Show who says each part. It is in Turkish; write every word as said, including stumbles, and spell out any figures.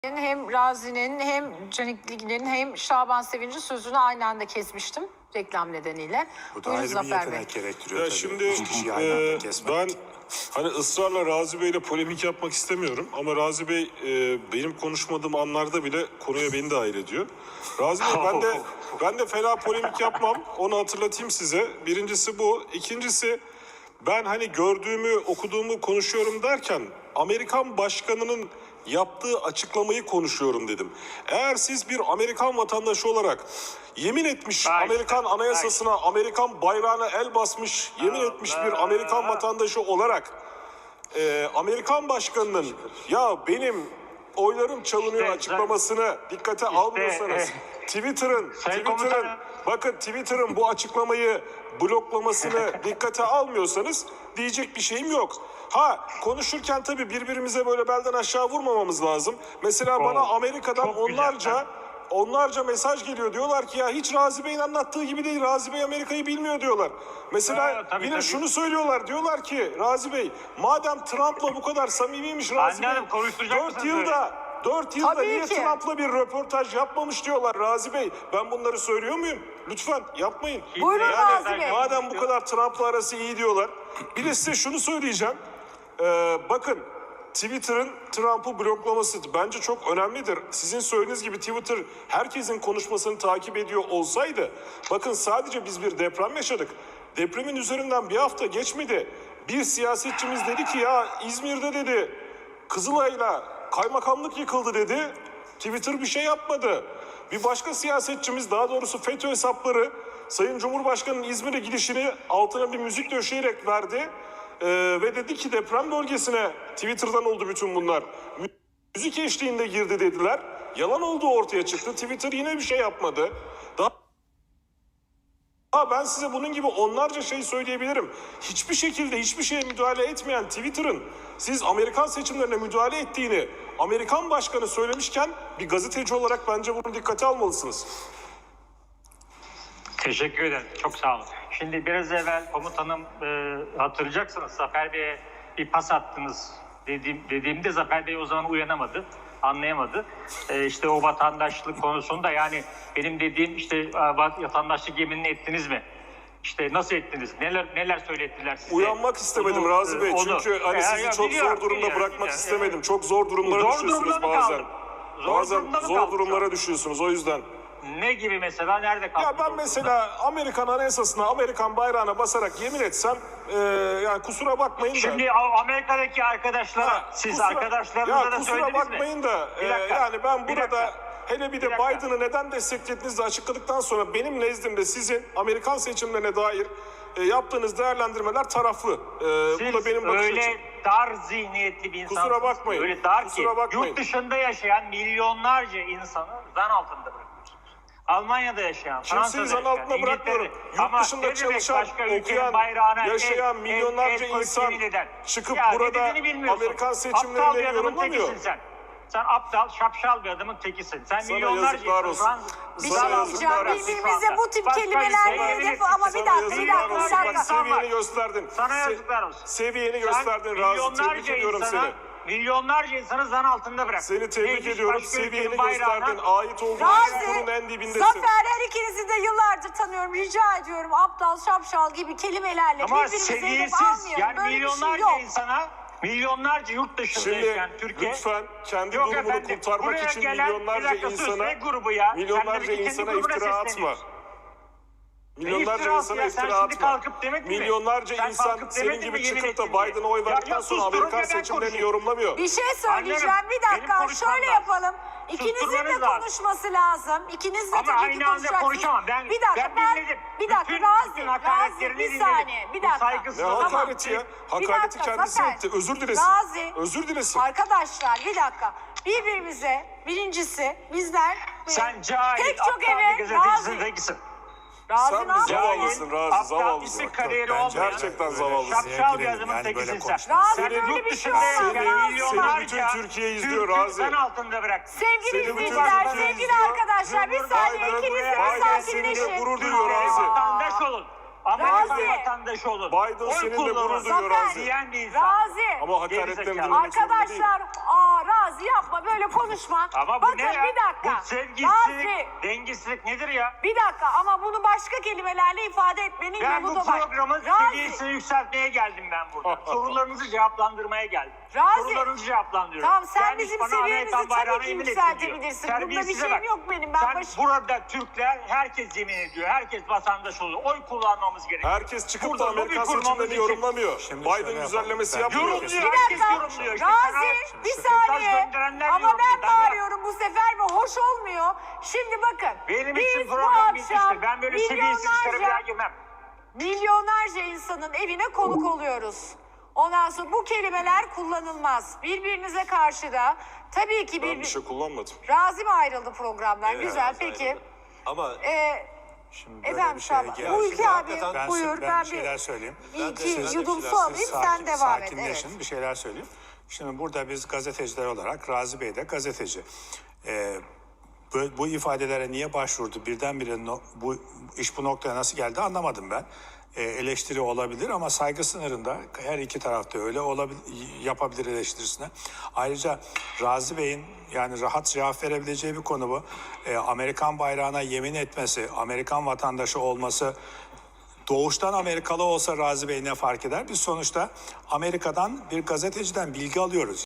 Speaker 1: Hem Razi'nin hem Canikli'nin hem Şaban Sevinç'in sözünü aynı anda kesmiştim reklam nedeniyle.
Speaker 2: Bu da
Speaker 1: Buyurun
Speaker 2: ayrı bir
Speaker 1: Zafer
Speaker 2: yetenek
Speaker 1: Bey.
Speaker 2: gerektiriyor
Speaker 3: Ya
Speaker 2: tabii.
Speaker 3: şimdi
Speaker 2: Üç kişiyi aynı anda
Speaker 3: e,
Speaker 2: kesmek.
Speaker 3: ben hani ısrarla Razi Bey'le polemik yapmak istemiyorum ama Razi Bey e, benim konuşmadığım anlarda bile konuya beni dahil ediyor. Razi Bey ben de ben de fena polemik yapmam. Onu hatırlatayım size. Birincisi bu. İkincisi ben hani gördüğümü, okuduğumu konuşuyorum derken Amerikan başkanının yaptığı açıklamayı konuşuyorum dedim. Eğer siz bir Amerikan vatandaşı olarak yemin etmiş
Speaker 4: Ay,
Speaker 3: Amerikan anayasasına, ay. Amerikan bayrağına el basmış, yemin Allah. etmiş bir Amerikan vatandaşı olarak e, Amerikan başkanının ya benim oylarım çalınıyor
Speaker 4: İşte,
Speaker 3: açıklamasını dikkate işte, almıyorsanız e, Twitter'ın Twitter'ın bakın Twitter'ın bu açıklamayı bloklamasını dikkate almıyorsanız diyecek bir şeyim yok. Ha konuşurken tabii birbirimize böyle belden aşağı vurmamamız lazım. Mesela oh, bana Amerika'dan onlarca güzel. onlarca mesaj geliyor. Diyorlar ki ya hiç Razi Bey'in anlattığı gibi değil. Razi Bey Amerika'yı bilmiyor diyorlar. Mesela ha, tabii, yine tabii. şunu söylüyorlar. Diyorlar ki Razi Bey madem Trump'la bu kadar samimiymiş Razi
Speaker 4: Annem,
Speaker 3: Bey. dört yılda dört yılda
Speaker 1: Tabii
Speaker 3: niye
Speaker 1: ki.
Speaker 3: Trump'la bir röportaj yapmamış diyorlar Razi Bey. Ben bunları söylüyor muyum? Lütfen yapmayın.
Speaker 1: Buyurun
Speaker 3: yani,
Speaker 1: Razi Bey.
Speaker 3: Madem bu kadar Trump'la arası iyi diyorlar. Bir de size şunu söyleyeceğim. Ee, bakın Twitter'ın Trump'ı bloklaması bence çok önemlidir. Sizin söylediğiniz gibi Twitter herkesin konuşmasını takip ediyor olsaydı, bakın sadece biz bir deprem yaşadık. Depremin üzerinden bir hafta geçmedi. Bir siyasetçimiz dedi ki ya İzmir'de dedi Kızılay'la kaymakamlık yıkıldı dedi. Twitter bir şey yapmadı. Bir başka siyasetçimiz, daha doğrusu FETÖ hesapları Sayın Cumhurbaşkanı'nın İzmir'e gidişini altına bir müzik döşeyerek verdi. Ee, ve dedi ki deprem bölgesine Twitter'dan oldu bütün bunlar. Müzik eşliğinde girdi dediler. Yalan olduğu ortaya çıktı. Twitter yine bir şey yapmadı. Daha Ha ben size bunun gibi onlarca şey söyleyebilirim. Hiçbir şekilde hiçbir şeye müdahale etmeyen Twitter'ın siz Amerikan seçimlerine müdahale ettiğini Amerikan başkanı söylemişken bir gazeteci olarak bence bunu dikkate almalısınız.
Speaker 4: Teşekkür ederim. Çok sağ olun. Şimdi biraz evvel komutanım e, hatırlayacaksınız Zafer Bey'e bir pas attınız dediğim, dediğimde Zafer Bey o zaman uyanamadı. Anlayamadı. Ee, işte o vatandaşlık konusunda yani benim dediğim işte vatandaşlık yeminini ettiniz mi? İşte nasıl ettiniz? Neler neler söylettiler size?
Speaker 3: Uyanmak istemedim onu, Razi Bey. Onu, çünkü hani e, sizi ya, çok biliyorum, zor durumda biliyorum, bırakmak biliyorum, istemedim. Evet. Çok zor durumlara zor düşüyorsunuz bazen. Zor bazen zor durumlara düşüyorsunuz o yüzden.
Speaker 4: Ne gibi mesela? Nerede kaldı?
Speaker 3: Ya ben mesela Amerikan anayasasına, Amerikan bayrağına basarak yemin etsem e, yani kusura bakmayın da.
Speaker 4: Şimdi Amerika'daki arkadaşlara ha, siz kusura, arkadaşlarınıza da söylediniz mi?
Speaker 3: Ya kusura bakmayın da e, yani ben burada hele bir de Biden'ı neden desteklediğinizi açıkladıktan sonra benim nezdimde sizin Amerikan seçimlerine dair e, yaptığınız değerlendirmeler taraflı. E,
Speaker 4: siz
Speaker 3: bu da benim bakış
Speaker 4: öyle
Speaker 3: açım.
Speaker 4: dar zihniyetli bir insansınız.
Speaker 3: Kusura bakmayın.
Speaker 4: Öyle dar
Speaker 3: kusura
Speaker 4: ki
Speaker 3: bakmayın.
Speaker 4: yurt dışında yaşayan milyonlarca insanı zan altında bırakıyorsunuz. Almanya'da yaşayan, Fransa'da
Speaker 3: yaşayan, altına bırakmıyorum. Yurt dışında çalışan, okuyan, yaşayan el, milyonlarca el, el insan eden. çıkıp ya, burada Amerikan seçimlerine yorumlamıyor.
Speaker 4: Sen. sen aptal, şapşal bir adamın tekisin. Sen
Speaker 3: sana
Speaker 4: milyonlarca
Speaker 3: insan.
Speaker 1: Bir şey diyeceğim. Birbirimize bu tip kelimelerle hedef ama bir dakika, bir dakika, bir dakika.
Speaker 3: Seviyeni gösterdin.
Speaker 4: Sana yazıklar olsun.
Speaker 3: Seviyeni gösterdin Razi. Tebrik ediyorum seni.
Speaker 4: Milyonlarca insanı zan altında bırak.
Speaker 3: Seni tebrik ediyorum. Seviyeni gösterdin. Ait olduğun sorunun en dibindesin.
Speaker 1: Zafer, her ikinizi de yıllardır tanıyorum. Rica ediyorum aptal, şapşal gibi kelimelerle
Speaker 4: ama
Speaker 1: birbirimize hedef almayalım.
Speaker 4: Yani
Speaker 1: böyle
Speaker 4: milyonlarca
Speaker 1: bir şey yok.
Speaker 4: insana, milyonlarca yurt dışında
Speaker 3: Şimdi,
Speaker 4: yaşayan Türkiye.
Speaker 3: lütfen kendi
Speaker 4: yok
Speaker 3: durumunu
Speaker 4: efendim,
Speaker 3: kurtarmak için
Speaker 4: gelen,
Speaker 3: milyonlarca insana,
Speaker 4: grubu ya.
Speaker 3: milyonlarca insana iftira atma. Milyonlarca insana iftira atma. Milyonlarca insan senin gibi çıkıp da Biden'a oy verdikten sonra Amerikan seçimlerini yorumlamıyor.
Speaker 1: Bir şey söyleyeceğim. Bir dakika şöyle yapalım. İkinizin de konuşması lazım. İkiniz de tabii ki konuşacaksınız.
Speaker 4: Ben,
Speaker 1: bir dakika ben,
Speaker 4: ben
Speaker 1: bir dakika
Speaker 4: bütün,
Speaker 1: Razi,
Speaker 4: bütün
Speaker 1: Razi bir saniye. Bir dakika.
Speaker 3: Ne hakareti ya? Hakareti kendisi etti. Özür dilesin.
Speaker 1: Razi.
Speaker 3: Özür dilesin.
Speaker 1: Arkadaşlar bir dakika. Birbirimize birincisi bizler
Speaker 4: sen cahil,
Speaker 1: pek çok
Speaker 4: eve
Speaker 1: Razi.
Speaker 3: Razi sen de zavallısın Razi, zavallısın.
Speaker 4: Kariyeri olmayan,
Speaker 3: gerçekten zavallısın.
Speaker 4: Şapşal bir adamın tekisin sen.
Speaker 1: Razi böyle bir şey olmaz.
Speaker 3: Seni bütün Türkiye izliyor Razi.
Speaker 4: Sen altında bırak.
Speaker 1: Sevgili izleyiciler, sevgili arkadaşlar bir saniye ikiniz de bir sakinleşin.
Speaker 3: Seninle gurur duyuyor Razi.
Speaker 4: Vatandaş olun. Amerikan
Speaker 1: Razi.
Speaker 4: vatandaşı olun.
Speaker 3: Biden
Speaker 4: Oy
Speaker 3: seninle
Speaker 4: kullanın
Speaker 3: gurur duyuyor
Speaker 1: Zafer.
Speaker 3: Razi.
Speaker 4: diyen bir insan.
Speaker 1: Razi.
Speaker 3: Ama hakaretten
Speaker 4: Gerizekalı.
Speaker 3: dinlemek zorunda değil.
Speaker 1: Arkadaşlar, aa Razi yapma böyle konuşma.
Speaker 4: Ama bu
Speaker 1: Bakın
Speaker 4: ne ya?
Speaker 1: bir dakika.
Speaker 4: Bu sevgisizlik,
Speaker 1: Razi,
Speaker 4: dengesizlik nedir ya?
Speaker 1: bir dakika ama bunu başka kelimelerle ifade etmenin
Speaker 4: Ben
Speaker 1: yolu
Speaker 4: bu
Speaker 1: da var.
Speaker 4: programın
Speaker 1: Razi,
Speaker 4: seviyesini yükseltmeye geldim ben burada. Sorularınızı cevaplandırmaya geldim.
Speaker 1: Razi.
Speaker 4: Sorularınızı cevaplandırıyorum.
Speaker 1: Tamam, sen
Speaker 4: Gelmiş
Speaker 1: bizim
Speaker 4: bana
Speaker 1: seviyemizi
Speaker 4: Amerikan
Speaker 1: tabii
Speaker 4: bayrağına
Speaker 1: ki
Speaker 4: yemin ettin diyor.
Speaker 1: yükseltebilirsin. Bunda bir
Speaker 4: Terbiyesize
Speaker 1: şeyim
Speaker 4: bak.
Speaker 1: yok benim. Ben
Speaker 4: Sen
Speaker 1: baş-
Speaker 4: burada Türkler herkes yemin ediyor. Herkes vatandaş oluyor. Oy kullanmamız gerekiyor.
Speaker 3: Herkes çıkıp
Speaker 4: Burada
Speaker 3: da
Speaker 4: lobi
Speaker 3: Amerikan
Speaker 4: kurmamız
Speaker 3: seçimlerini
Speaker 4: için-
Speaker 3: yorumlamıyor.
Speaker 2: Şimdi
Speaker 3: Biden
Speaker 2: şöyle
Speaker 3: güzellemesi
Speaker 2: yapalım. Ben-
Speaker 3: yapmıyor.
Speaker 4: Yorumluyor.
Speaker 1: Bir
Speaker 4: Herkes
Speaker 1: dakika.
Speaker 4: yorumluyor. İşte
Speaker 1: Razi
Speaker 4: sana-
Speaker 1: bir
Speaker 4: mesaj
Speaker 1: saniye.
Speaker 4: gönderenler
Speaker 1: Ama
Speaker 4: yorumluyor.
Speaker 1: ben
Speaker 4: Ben-
Speaker 1: bağırıyorum bu sefer ve hoş olmuyor. Şimdi bakın.
Speaker 4: Benim
Speaker 1: biz
Speaker 4: için
Speaker 1: bu
Speaker 4: program
Speaker 1: akşam
Speaker 4: bitmiştir. Ben böyle seviyesiz işlere bir daha
Speaker 1: milyonlarca,
Speaker 4: girmem.
Speaker 1: milyonlarca insanın evine konuk oluyoruz. Ondan sonra bu kelimeler kullanılmaz. Birbirinize karşı da tabii ki
Speaker 3: Ben
Speaker 1: bir...
Speaker 3: bir şey kullanmadım.
Speaker 1: Razi mi ayrıldı programdan?
Speaker 5: Evet,
Speaker 1: Güzel
Speaker 5: Razi
Speaker 1: peki.
Speaker 5: ayrıldı. Ama
Speaker 1: Ee,
Speaker 2: Şimdi böyle
Speaker 1: efendim
Speaker 2: bir şeye
Speaker 1: Şaban.
Speaker 2: geldik.
Speaker 1: Bu ülke abi
Speaker 5: Hakikaten
Speaker 2: Ben,
Speaker 1: buyur.
Speaker 2: ben,
Speaker 1: Ben,
Speaker 2: bir şeyler söyleyeyim.
Speaker 1: bir
Speaker 5: Ben de-
Speaker 1: iki
Speaker 5: ben de
Speaker 1: yudum
Speaker 5: bir
Speaker 1: su
Speaker 5: şeyler
Speaker 1: alayım
Speaker 2: Sakin-
Speaker 1: sen devam et.
Speaker 2: sakinleşin,
Speaker 1: Evet.
Speaker 2: bir şeyler söyleyeyim. Şimdi burada biz gazeteciler olarak, Razi Bey de gazeteci. Ee, bu, bu ifadelere niye başvurdu? Birdenbire no, bu iş bu noktaya nasıl geldi anlamadım ben. Ee, eleştiri olabilir ama saygı sınırında, her iki tarafta öyle olabilir, yapabilir eleştirisine. Ayrıca Razi Bey'in yani rahat cevap verebileceği bir konu bu. Ee, Amerikan bayrağına yemin etmesi, Amerikan vatandaşı olması, doğuştan Amerikalı olsa Razi Bey ne fark eder? Biz sonuçta Amerika'dan bir gazeteciden bilgi alıyoruz.